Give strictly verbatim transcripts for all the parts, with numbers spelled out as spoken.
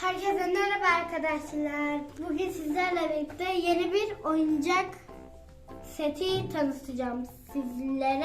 Herkese merhaba arkadaşlar. Bugün sizlerle birlikte yeni bir oyuncak seti tanıtacağım sizlere.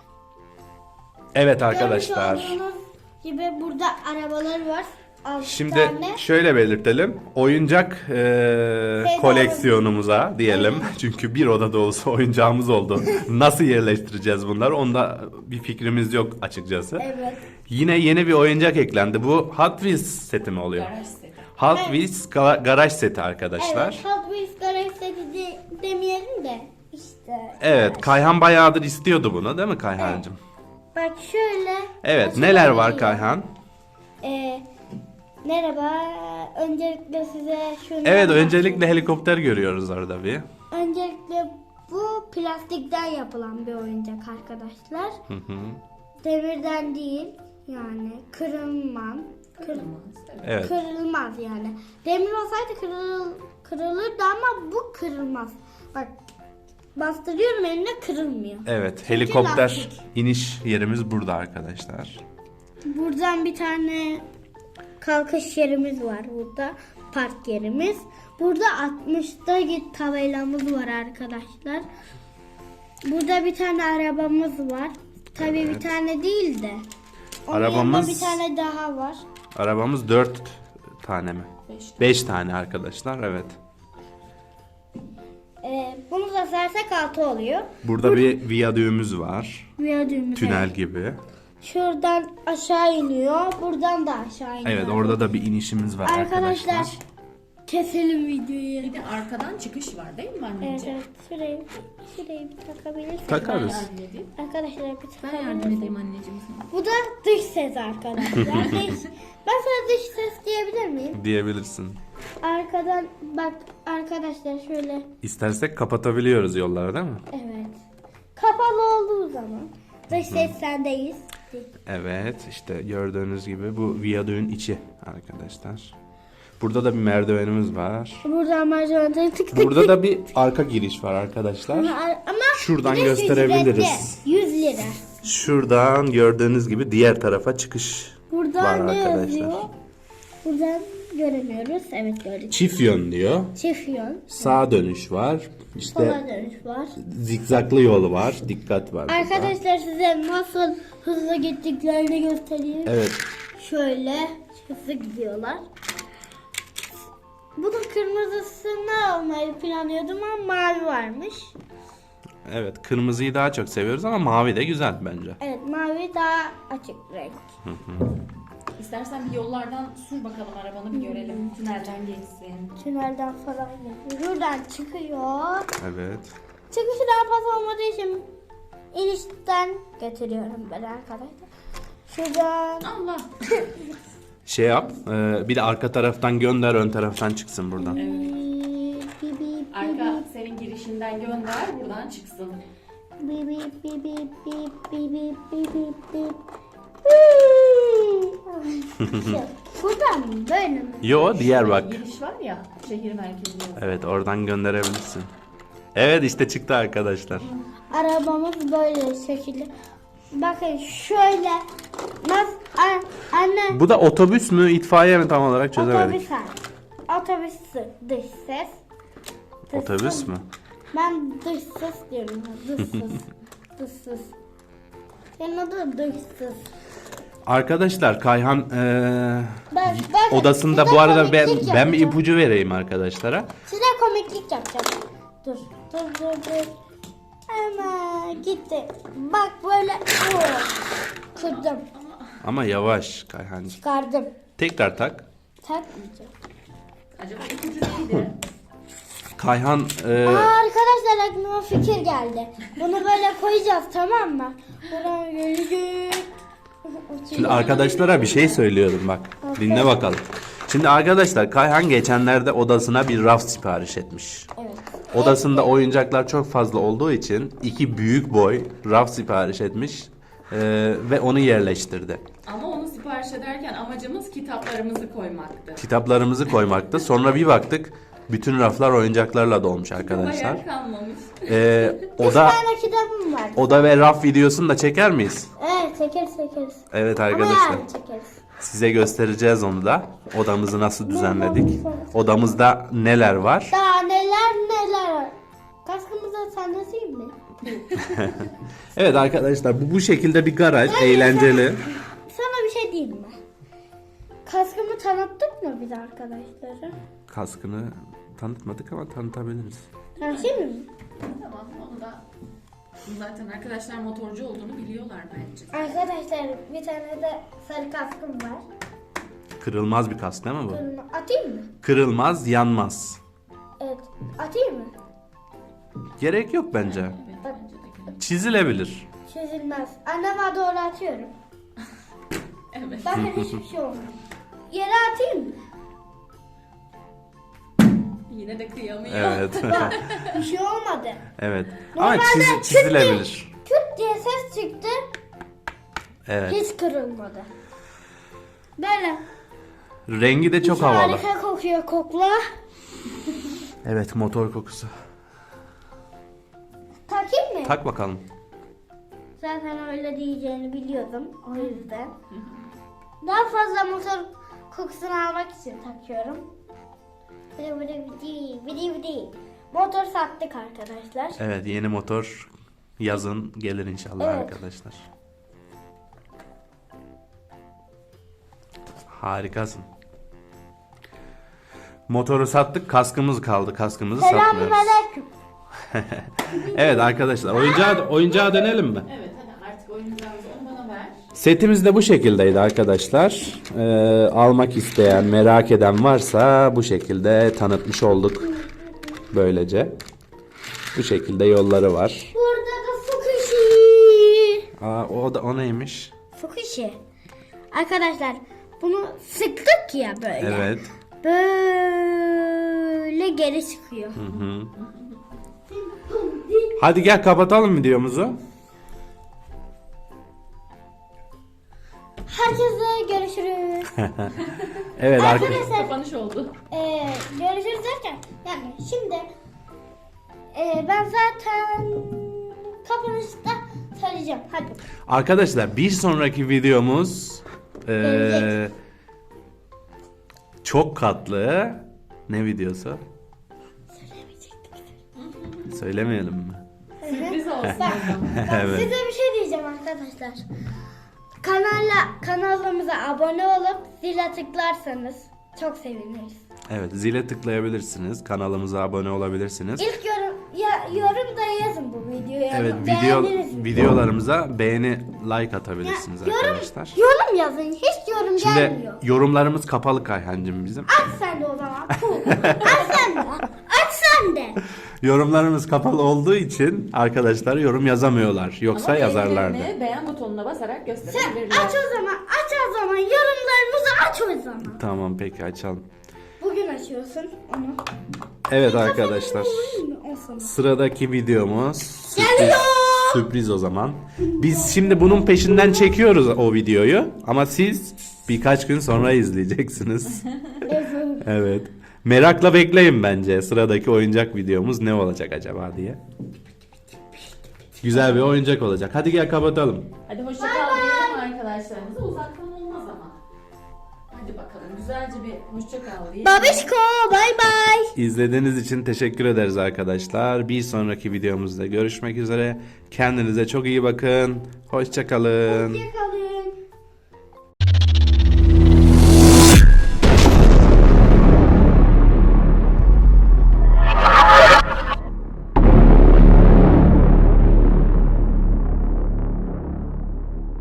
Evet arkadaşlar. Görmüş olduğunuz gibi burada arabalar var. altı Şimdi tane. şöyle belirtelim. Oyuncak e, koleksiyonumuza diyelim. Çünkü bir oda dolusu oyuncağımız oldu. Nasıl yerleştireceğiz bunları? Onda bir fikrimiz yok açıkçası. Evet. Yine yeni bir oyuncak eklendi. Bu Hot Wheels seti mi oluyor? Garaj seti. Hot Evet. Wheels ga- garaj seti arkadaşlar. Evet, Hot Wheels garaj seti de, demeyelim de işte. Evet, Kayhan bayağıdır istiyordu bunu, değil mi Kayhancığım? Bak şöyle. Evet, neler var açılabiliyor. Kayhan? Ee, merhaba. Öncelikle size şunu Evet, öncelikle helikopter görüyoruz orada bir. Öncelikle bu plastikten yapılan bir oyuncak arkadaşlar. Hı hı. Demirden değil, yani kırılmaz. Kır, Kırılmaz, evet. Evet. Kırılmaz yani. Demir olsaydı kırıl, kırılırdı ama bu kırılmaz. Bak, bastırıyorum, eline kırılmıyor. Evet, helikopter lastik. iniş yerimiz burada arkadaşlar. Buradan bir tane kalkış yerimiz var burada. Park yerimiz. Burada altmışta git tabelamız var arkadaşlar. Burada bir tane arabamız var. Tabii Evet. bir tane değil de. Onun Arabamız- yanında bir tane daha var. Arabamız dört tane mi? Beş. Beş tane arkadaşlar, evet. Ee, bunu da sersek altı oluyor. Burada bir viyadüğümüz var. Viyadüğümüz. Tünel evet. gibi. Şuradan aşağı iniyor. Buradan da aşağı iniyor. Evet, orada da bir inişimiz var Arkadaşlar, arkadaşlar. keselim videoyu. Bir de arkadan çıkış var değil mi Evet, anneciğim? evet. Şurayı, şurayı bir takabilirsiniz. Takarız. Ben yardım edeyim. Arkadaşlar bir Ben yardım takabilirsiniz. edeyim anneciğim sana. Bu da dış ses arkadaşlar. dış, ben sana dış ses diyebilir miyim? Diyebilirsin. Arkadan bak arkadaşlar şöyle. İstersek kapatabiliyoruz yolları, değil mi? Evet. Kapalı olduğu zaman dış ses sendeyiz. Evet, işte gördüğünüz gibi bu viyadüğün içi arkadaşlar. Burada da bir merdivenimiz var. Buradan merdivenden tık tık Burada da bir arka giriş var arkadaşlar. Ama, ama Şuradan bir de gösterebiliriz. ücretli, yüz lira. Şuradan gördüğünüz gibi diğer tarafa çıkış Buradan var ne arkadaşlar. yazıyor? Buradan göremiyoruz. Evet gördük. Çift yön diyor. Çift yön. Sağa dönüş var. İşte Sola dönüş var. zikzaklı yol var. Dikkat var burada. Arkadaşlar size nasıl hızlı gittiklerini göstereyim. Evet. Şöyle hızlı gidiyorlar. Bunun kırmızısını almayı planlıyordum ama mavi varmış. Evet, kırmızıyı daha çok seviyoruz ama mavi de güzel bence. Evet, mavi daha açık renk. İstersen bir yollardan sür bakalım arabanı bir görelim. Tünelden geçsin. Tünelden falan geçiyor. Buradan çıkıyor. Evet. Çıkışı daha fazla olmadığı için inişten getiriyorum ben arkadaşlar. Şuradan Allah. Şey yap. e, bir de arka taraftan gönder, ön taraftan çıksın buradan. Bip, bip, bip, Arka senin girişinden gönder buradan çıksın. bip, bip, bip, bip, bip, bip, bip, bip, bip. Şu, buradan mı? Böyle mi? Yo, diğer bak. Giriş var ya şehir merkezine. Evet, oradan gönderebilirsin. Evet, işte çıktı arkadaşlar. Arabamız böyle şekilde. Bakın şöyle. Nasıl? a- Anne. Bu da otobüs mü, itfaiye mi tam olarak çözemedik. Otobüs var. Otobüs dış ses. Dış Otobüs ses. mü? Ben dış ses diyorum. Dış ses. Dış ses. Senin adı dış ses. Arkadaşlar Kayhan eee, Ben, ben odasında size bu arada ben komiklik ben bir yapacağım. ipucu vereyim arkadaşlara. Size komiklik yapacağım. Dur. Dur dur dur. Ama gitti. Bak böyle. Oh. Kırdım. Ama yavaş Kayhancığım. Çıkardım. Tekrar tak. Takmayacağım. Acaba ipucu neydi? Kayhan eee, Aa, arkadaşlar aklıma fikir geldi. Bunu böyle koyacağız, tamam mı? Buradan gelecek. şimdi arkadaşlara bir şey söylüyorum bak. Dinle bakalım. Şimdi arkadaşlar Kayhan geçenlerde odasına bir raf sipariş etmiş. Evet. Odasında oyuncaklar çok fazla olduğu için iki büyük boy raf sipariş etmiş eee, ve onu yerleştirdi. Ama onu sipariş ederken amacımız kitaplarımızı koymaktı. Kitaplarımızı koymaktı. Sonra bir baktık bütün raflar oyuncaklarla dolmuş arkadaşlar. Bayağı kalmamış. Ee, Bir oda tane kitabım var. oda ve raf videosunu da çeker miyiz? Evet, çekeriz çekeriz. Evet Ama arkadaşlar. yarın çekeriz. Size göstereceğiz onu da. Odamızı nasıl düzenledik. Odamızda neler var. Daha neler neler var. Kaskımıza sarnasayım mı? Evet arkadaşlar bu bu şekilde bir garaj. Eğlenceli. Sana bir şey diyeyim mi? Kaskımı tanıttık mı biz arkadaşlara? Kaskını tanıtmadık ama tanıtabiliriz. Tanıtayım mı? Tamam onu da zaten arkadaşlar motorcu olduğunu biliyorlar bence. Arkadaşlar bir tane de sarı kaskım var. Kırılmaz bir kask değil mi bu? Kırma- Atayım mı? Kırılmaz, yanmaz. Evet. Atayım mı? Gerek yok bence. Evet bence de. Çizilebilir. Çözülmez. Anneme doğru atıyorum. Evet. Bakın hiçbir şey olmuyor. Yere atayım mı? Yine de kıyamıyor. Evet. Bak bir şey olmadı. Evet. Ama Normalde çizi- küt çizilebilir. Küt diye ses çıktı. Evet. Hiç kırılmadı. Böyle. Rengi de çok havalı. Harika kokuyor kokla. Evet, motor kokusu. Takayım mı? Tak bakalım. Zaten öyle diyeceğini biliyordum. O yüzden. Daha fazla motor kokusunu almak için takıyorum. Bidi bidi bidi bidi bidi. Motor sattık arkadaşlar. Evet, yeni motor yazın gelir inşallah Evet. arkadaşlar. Harikasın. Motoru sattık, kaskımız kaldı. Kaskımızı Selamun satmıyoruz. aleyküm. Evet arkadaşlar, oyuncağa, oyuncağa dönelim mi? Evet hadi artık oyuncağımızı onu bana ver. Setimiz de bu şekildeydi arkadaşlar. Ee, almak isteyen, merak eden varsa bu şekilde tanıtmış olduk. Böylece. Bu şekilde yolları var. Burada da Fukushi. Aa, o da o neymiş? Fukushi. Arkadaşlar bunu sıktık ya böyle. Evet. Böyle geri çıkıyor. Hı hı. Hadi gel kapatalım videomuzu. Herkese görüşürüz. Evet arkadaşlar. Arkadaşlar Kapanış oldu. e, görüşürüz derken yani şimdi e, ben zaten kapanışta söyleyeceğim. Hadi. Arkadaşlar bir sonraki videomuz eee, Gelecek. çok katlı ne videosu? Söylemeyelim mi? Sürpriz olsun o zaman. Ben Evet. size bir şey diyeceğim arkadaşlar. Kanala kanalımıza abone olup zile tıklarsanız çok seviniriz. Evet, zile tıklayabilirsiniz. Kanalımıza abone olabilirsiniz. İlk yorum ya, yorum da yazın bu videoya. Evet, video Beğendiniz mi? videolarımıza beğeni, like atabilirsiniz yorum, arkadaşlar. yorum yazın. Hiç yorum Şimdi gelmiyor. yorumlarımız kapalı Kayhancığım bizim. Aç sen de o zaman. Puh. Aç sen de. Aç sen de. Yorumlarımız kapalı olduğu için arkadaşlar yorum yazamıyorlar. Yoksa Ama yazarlardı. beğenilerini beğen butonuna basarak Sen gösterebilirler. aç o zaman. Aç o zaman. Yorumlarımızı aç o zaman. Tamam peki açalım. Bugün açıyorsun onu. Evet arkadaşlar. O zaman. Sıradaki videomuz sürpriz, Geliyor. sürpriz o zaman. Biz şimdi bunun peşinden çekiyoruz o videoyu ama siz birkaç gün sonra izleyeceksiniz. Evet. Merakla bekleyin bence sıradaki oyuncak videomuz ne olacak acaba diye. Güzel bir oyuncak olacak. Hadi gel kapatalım. Hadi hoşça kal diyelim arkadaşlarımıza. Uzaktan olmaz ama. Hadi bakalım güzelce bir hoşça kal diyelim. Babişko bay bay. İzlediğiniz için teşekkür ederiz arkadaşlar. Bir sonraki videomuzda görüşmek üzere. Kendinize çok iyi bakın. Hoşça kalın. Hoşçakalın.